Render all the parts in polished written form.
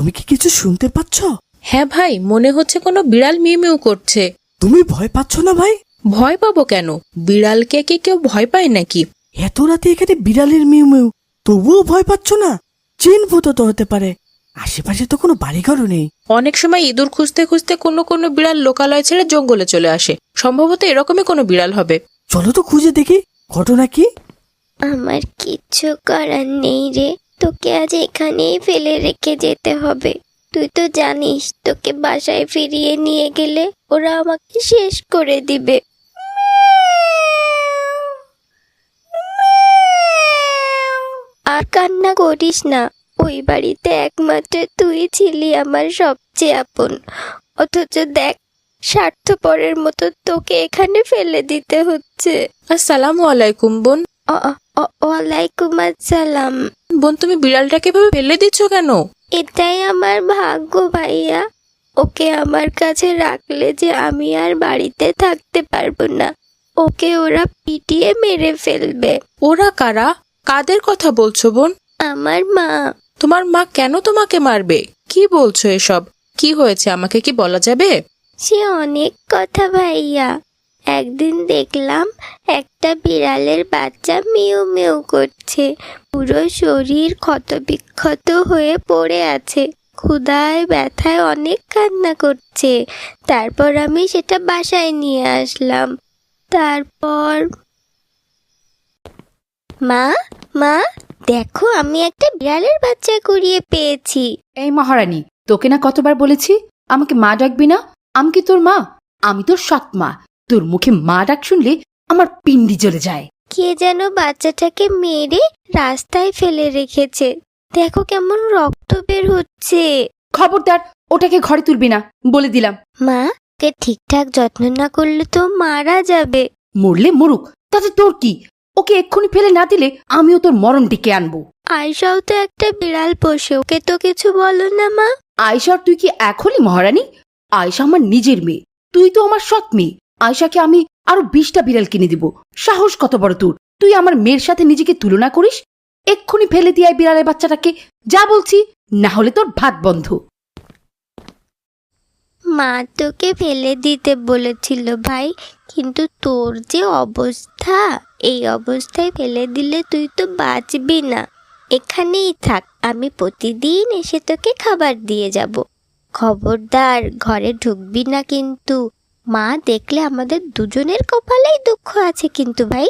তুমি কি কিছু শুনতে পাচ্ছ? হ্যাঁ ভাই, মনে হচ্ছে কোনো বিড়াল মিউ মিউ করছে। তুমি ভয় পাচ্ছ না ভাই? ভয় পাবো কেন? বিড়ালকে কি কেউ ভয় পায় নাকি? এত রাতে এখানে বিড়ালের মিউ মিউ, তবুও ভয় পাচ্ছ না? জিন ভূত তো হতে পারে, আশেপাশে তো কোনো বাড়িঘরও নেই। অনেক সময় ইঁদুর খুঁজতে খুঁজতে কোনো কোনো বিড়াল লোকালয় ছেড়ে জঙ্গলে চলে আসে। সম্ভবত এরকমই কোনো বিড়াল হবে। চলো তো খুঁজে দেখি ঘটনা কি। আমার কিচ্ছু করার নেই রে, তোকে আজ এখানেই ফেলে রেখে যেতে হবে। তুই তো জানিস তোকে বাসায় ফিরিয়ে নিয়ে গেলে ওরা আমাকে শেষ করে দিবে। আর কান্না করিস না, ওই বাড়িতে একমাত্র তুই ছিলি আমার সবচেয়ে আপন, অথচ দেখ স্বার্থপরের মতো তোকে এখানে ফেলে দিতে হচ্ছে। আসসালামু আলাইকুম বোন। ওয়ালাইকুম আসসালাম। বোন, তুমি বিড়ালটাকে এভাবে ফেলে দিচ্ছ কেন? এটাই আমার ভাগ্য ভাইয়া, ওকে আমার কাছে রাখলে যে আমি আর বাড়িতে থাকতে পারবো না, ওকে ওরা পিটিয়ে মেরে ফেলবে। ওরা কারা? কাদের কথা বলছো বোন? আমার মা। তোমার মা কেন তোমাকে মারবে? কি বলছো এসব? কি হয়েছে আমাকে কি বলা যাবে? সে অনেক কথা ভাইয়া। একদিন দেখলাম একটা বিড়ালের বাচ্চা মিউ মিউ করছে, পুরো শরীর ক্ষতবিক্ষত হয়ে পড়ে আছে, ক্ষুধায় ব্যথায় অনেক কান্না করছে। তারপর আমি সেটা বাসায় নিয়ে আসলাম। তারপর মা মা দেখো, আমি একটা বিড়ালের বাচ্চা কুড়িয়ে পেয়েছি। এই মহারানী, তোকে না কতবার বলেছি আমাকে মা ডাকবি না? আমি কি তোর মা? আমি তোর সৎ মা। তোর মুখে মা ডাক শুনলে আমার পিন্ডি জ্বলে যায়। কে যেন বাচ্চাটাকে মেরে রাস্তায় ফেলে রেখেছে, দেখো কেমন রক্ত বের হচ্ছে। খবরদার, ওটাকে ঘরে তুলবি না বলে দিলাম। মা, কে ঠিকঠাক যত্ন না করলে তো মারা যাবে। মরলে মরুক, তাতে তোর কি? ওকে এক্ষুনি ফেলে না দিলে আমিও তোর মরণ ডেকে আনবো। আয়শাও তো একটা বিড়াল পোষে, ওকে তো কিছু বলো না মা। আয়শার তুই কি এখনই মহারানী? আয়শা আমার নিজের মেয়ে, তুই তো আমার সৎ মেয়ে। আয়শাকে আমি আরো 20টা বিড়াল কিনে দিব। সাহস কত বড় তোর! তুই আমার মেয়ের সাথে নিজেকে তুলনা করিস? এক্ষুনি ফেলে দিয়ে বিড়ালের বাচ্চাটাকে, যা বলছি, না হলে তোর ভাত বন্ধ। মা তোকে ফেলে দিতে বলেছিল ভাই, কিন্তু তোর যে অবস্থা, এই অবস্থায় ফেলে দিলে তুই তো বাঁচবি না। এখানেই থাক, আমি প্রতিদিন এসে তোকে খাবার দিয়ে যাব। খবরদার ঘরে ঢুকবি না কিন্তু, মা দেখলে আমাদের দুজনের কপালেই দুঃখ আছে কিন্তু ভাই।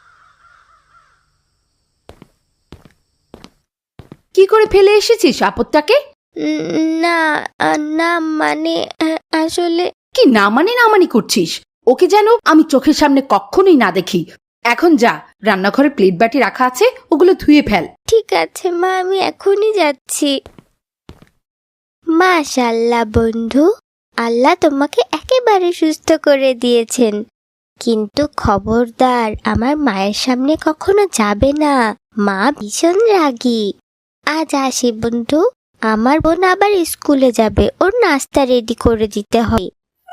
কি করে ফেলে এসেছিস আপদটাকে? না না মানে আসলে কি না মানে করছিস? ওকে যেন আমি চোখের সামনে কখনোই না দেখি। এখন যা, রান্নাঘরে প্লেট বাটি রাখা আছে, ওগুলো ধুয়ে ফেল। ঠিক আছে মা, আমি এখনই যাচ্ছি। মাশাআল্লাহ বন্ধু, আল্লাহ তোমাকে একেবারে সুস্থ করে দিয়েছেন, কিন্তু খবরদার আমার মায়ের সামনে কখনো যাবে না, মা ভীষণ রাগী। আজ আসি বন্ধু, আমার বোন আবার স্কুলে যাবে, ওর নাস্তা রেডি করে দিতে হয়।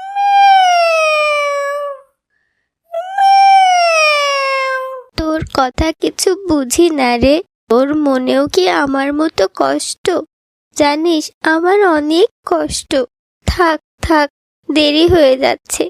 তোর কথা কিছু বুঝি না রে, তোর মনেও কি আমার মতো কষ্ট? জানিস আমার অনেক কষ্ট। থাক থাক, দেরি হয়ে যাচ্ছে।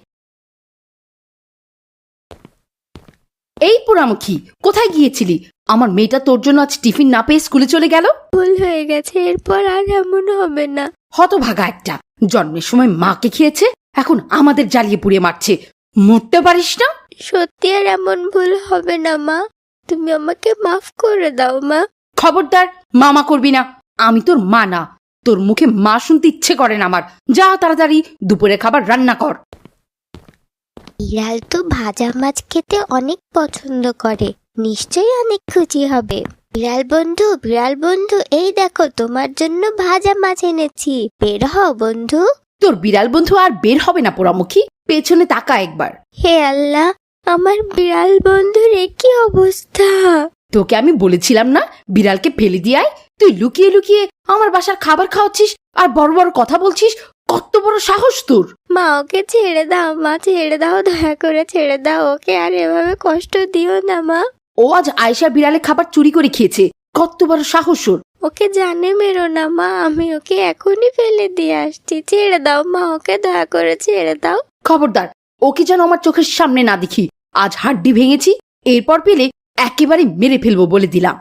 এই পোড়ামুখী, কোথায় গিয়েছিলি? আমার মেয়েটা তোর জন্য আজ টিফিন না পেয়ে স্কুলে চলে গেল। ভুল হয়ে গেছে, এরপর আর এমন হবে না। হতভাগা একটা, জন্মের সময় মাকে খেয়েছে, এখন আমাদের জ্বালিয়ে পুড়িয়ে মারছে। মরতে পারিস না? সত্যি আর এমন ভুল হবে না মা, তুমি আমাকে মাফ করে দাও মা। খবরদার মামা করবি না, আমি তোর মা না। তোর মুখে মা শুনতে ইচ্ছে করে না আমার। যা তাড়াতাড়ি দুপুরে খাবার রান্না কর। বিড়াল তো ভাজা মাছ খেতে অনেক পছন্দ করে, নিশ্চয়ই অনেক খুশি হবে। বিড়াল বন্ধু, এই দেখো তোমার জন্য ভাজা মাছ এনেছি, বের হও বন্ধু। তোর বিড়াল বন্ধু আর বের হবে না পোড়ামুখী, পেছনে তাকা একবার। হে আল্লাহ, আমার বিড়াল বন্ধুর কি অবস্থা! তোকে আমি বলেছিলাম না বিড়ালকে ফেলে দিয়ে আয়? তুই লুকিয়ে লুকিয়ে আমার বাসার খাবার খাওয়াচ্ছিস আর বড় বড় কথা বলছিস। কত বড় সাহস তোর! মা ওকে ছেড়ে দাও, মা ছেড়ে দাও, দয়া করে ছেড়ে দাও ওকে, আর এভাবে কষ্ট দিও না মা। ও আজ আয়শা বিড়ালে খাবার চুরি করে খেয়েছে। কত বড় সাহস ওর! ওকে জানে মেরো না মা, আমি ওকে এখনই ফেলে দিয়ে আসছি। ছেড়ে দাও মা, ওকে দয়া করে ছেড়ে দাও। খবরদার, ওকে যেন আমার চোখের সামনে না দেখি। আজ হাড্ডি ভেঙেছি, এরপর পেলে একেবারে মেরে ফেলবো বলে দিলাম।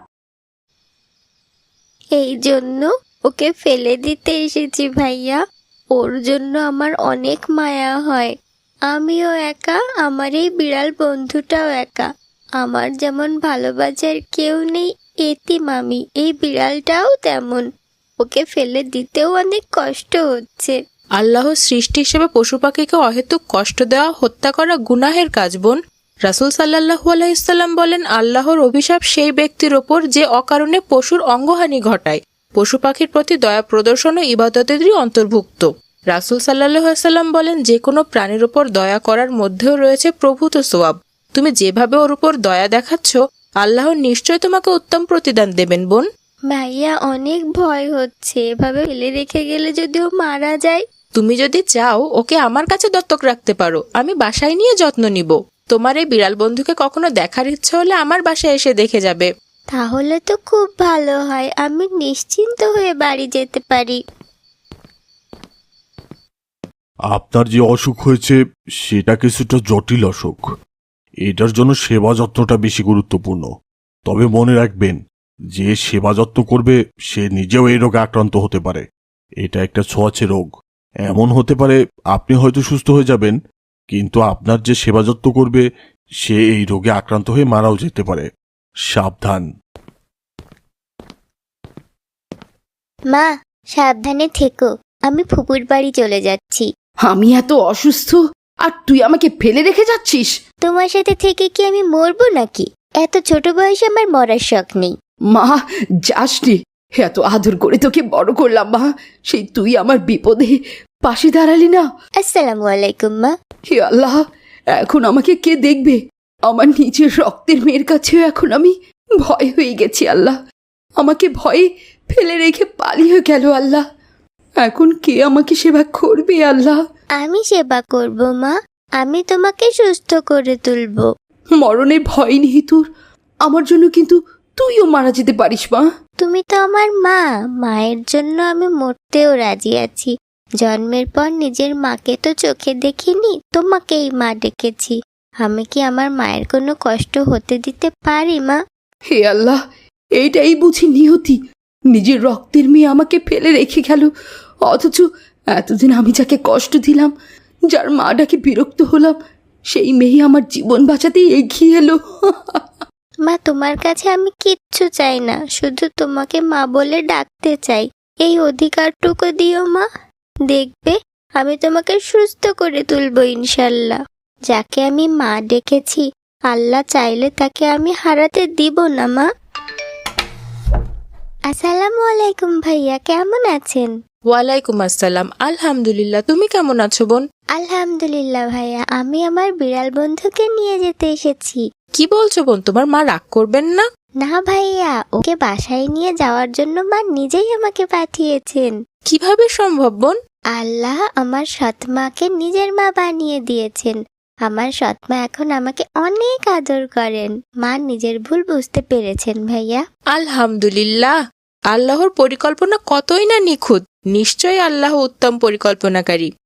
এই জন্য ওকে ফেলে দিতে এসেছি ভাইয়া। ওর জন্য আমার অনেক মায়া হয়। আমিও একা, আমার এই বিড়াল বন্ধুটাও একা। আমার যেমন ভালোবাসার কেউ নেই, এতিম আমি, এই বিড়ালটাও তেমন। ওকে ফেলে দিতেও অনেক কষ্ট হচ্ছে। আল্লাহর সৃষ্টি হিসেবে পশু পাখিকে অহেতুক কষ্ট দেওয়া, হত্যা করা গুনাহের কাজ বোন। রাসূল সাল্লাল্লাহু আলাইহি সাল্লাম বলেন, আল্লাহর অভিশাপ সেই ব্যক্তির ওপর যে অকারণে পশুর অঙ্গহানি ঘটায়। পশু পাখির প্রতি দয়া প্রদর্শন ও ইবাদতেরই অন্তর্ভুক্ত। রাসূল সাল্লাল্লাহু আলাইহি সাল্লাম বলেন, যে কোনো প্রাণীর উপর দয়া করার মধ্যেও রয়েছে প্রভূত সওয়াব। তুমি যেভাবে ওর উপর দয়া দেখাচ্ছ, আল্লাহ নিশ্চয় তোমাকে উত্তম প্রতিদান দেবেন বোন। ভাইয়া অনেক ভয় হচ্ছে, এভাবে ফেলে রেখে গেলে যদি ও মারা যায়। তুমি যদি চাও ওকে আমার কাছে দত্তক রাখতে পারো, আমি বাসায় নিয়ে যত্ন নিব। তোমার এই বিড়াল বন্ধুকে কখনো দেখার ইচ্ছা হলে আমার বাসায় এসে দেখে যাবে। তাহলে তো খুব ভালো হয়, আমি নিশ্চিন্ত হয়ে বাড়ি যেতে পারি। আপনার যে অসুখ হয়েছে সেটা কিছুটা জটিল অসুখ। এটার জন্য সেবা যত্নটা বেশি গুরুত্বপূর্ণ। তবে মনে রাখবেন, যে সেবা যত্ন করবে সে নিজেও এই রোগে আক্রান্ত হতে পারে। এটা একটা ছোঁয়াচে রোগ। এমন হতে পারে আপনি হয়তো সুস্থ হয়ে যাবেন, কিন্তু আপনার যে সেবা যত্ন করবে সে এই রোগে আক্রান্ত হয়ে মারাও যেতে পারে। সাবধান। মা, সাবধানে থেকো, আমি ফুপুর বাড়ি চলে যাচ্ছি। আমি এত অসুস্থ আর তুই আমাকে ফেলে রেখে যাচ্ছিস? তোমার সাথে থেকে কি আমি মরবো নাকি? এত ছোট বয়সে আমার মরার শখ নেই। মা, যাসনি। এত আদর করে তোকে বড় করলাম মা, সেই তুই আমার বিপদে পাশে দাঁড়ালি না। আসসালামু আলাইকুম মা। হে আল্লাহ, এখন আমাকে কে দেখবে? আমার নিজের রক্তের মেয়ের কাছেও এখন আমি ভয় হয়ে গেছি। আল্লাহ, আমাকে ভয়ে ফেলে রেখে পালিয়ে গেল। আল্লাহ, এখন কে আমাকে সেবা করবে? আল্লাহ, আমি সেবা করব মা, আমি তোমাকে সুস্থ করে তুলবো। মরণের ভয় নেই তোর? আমার জন্য কিন্তু তুইও মারা যেতে পারিস মা। তুমি তো আমার মা, মায়ের জন্য আমি মরতেও রাজি আছি। জন্মের পর নিজের মাকে তো চোখে দেখিনি, তোমাকেই মা ডেকেছি। আমি কি আমার মায়ের কোনো কষ্ট হতে দিতে পারি মা? হে আল্লাহ, এইটাই বুঝি নিয়তি। নিজের রক্তের মেয়ে আমাকে ফেলে রেখে গেল, অথচ এতদিন আমি যাকে কষ্ট দিলাম, যার মা ডাকে বিরক্ত হলাম, সেই মেয়ে আমার জীবন বাঁচাতেই এগিয়ে এলো। মা, তোমার কাছে আমি কিচ্ছু চাই না, শুধু তোমাকে মা বলে ডাকতে চাই। এই অধিকারটুকু দিও মা, দেখবে আমি তোমাকে সুস্থ করে তুলবো ইনশাল্লাহ। যাকে আমি মা ডেকেছি, আল্লাহ চাইলে তাকে আমি হারাতে দিব না মা। আসসালামু আলাইকুম ভাইয়া, কেমন আছেন? ওয়ালাইকুম আসসালাম। আলহামদুলিল্লাহ, তুমি কেমন আছো বোন? আলহামদুলিল্লাহ ভাইয়া, আমি আমার বিড়াল বন্ধুকে নিয়ে যেতে এসেছি। কি বলছো বোন, তোমার মা রাগ করবেন না? না ভাইয়া, ওকে বাসায় নিয়ে যাওয়ার জন্য মা নিজেই আমাকে পাঠিয়েছেন। কিভাবে সম্ভব বোন? আল্লাহ আমার সৎমাকে নিজের মা বানিয়ে দিয়েছেন। আমার সৎমা এখন আমাকে অনেক আদর করেন। মা নিজের ভুল বুঝতে পেরেছেন ভাইয়া। আলহামদুলিল্লাহ, আল্লাহর পরিকল্পনা কতই না নিখুঁত। নিশ্চয়ই আল্লাহ উত্তম পরিকল্পনাকারী।